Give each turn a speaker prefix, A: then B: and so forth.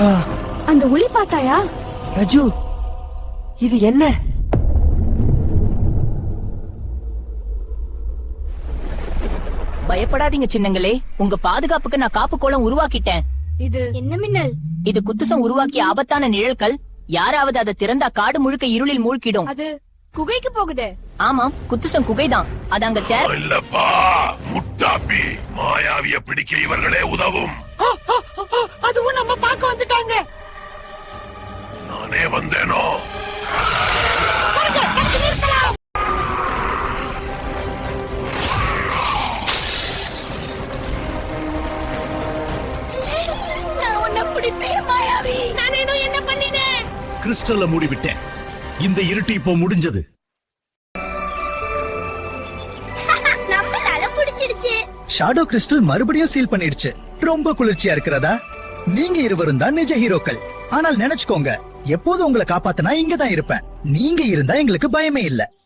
A: அந்த ஒளி பார்த்தாயா?
B: ரஜு, இது என்ன?
C: பயப்படாதீங்க சின்னங்களே, உங்க பாதுகாப்புக்கு நான் காப்பு கோலம் உருவாக்கிட்டேன்.
A: இது என்ன மின்னல்?
C: இது குத்துசம் உருவாக்கிய ஆபத்தான நிழல்கள். யாராவது அதை திறந்தா காடு முழுக்க இருளில் மூழ்கிடும்.
A: அது குகைக்கு போகுதே.
C: ஆமாம், குத்துசம் குகைதான். அது அங்க ஷேர்
D: இல்லப்பா, முட்டாப்பி மாயாவிய பிடிக்க இவர்களே உதவும்.
B: அதுவும் நம்ம பார்க்க வந்துட்டாங்க.
D: நானே வந்தேனோ?
E: கிறிஸ்டல்ல மூடிவிட்டேன். இந்த இருட்டு இப்போ முடிஞ்சது.
F: ஷாடோ கிறிஸ்டல் மறுபடியும் சீல் பண்ணிடுச்சு. ரொம்ப குளிர்ச்சியா இருக்கிறதா? நீங்க இருவரும் தான் நிஜ ஹீரோக்கள். ஆனால் நினைச்சுக்கோங்க, எப்போது உங்களை காப்பாத்தினா இங்க தான் இருப்பேன். நீங்க இருந்தா எங்களுக்கு பயமே இல்ல.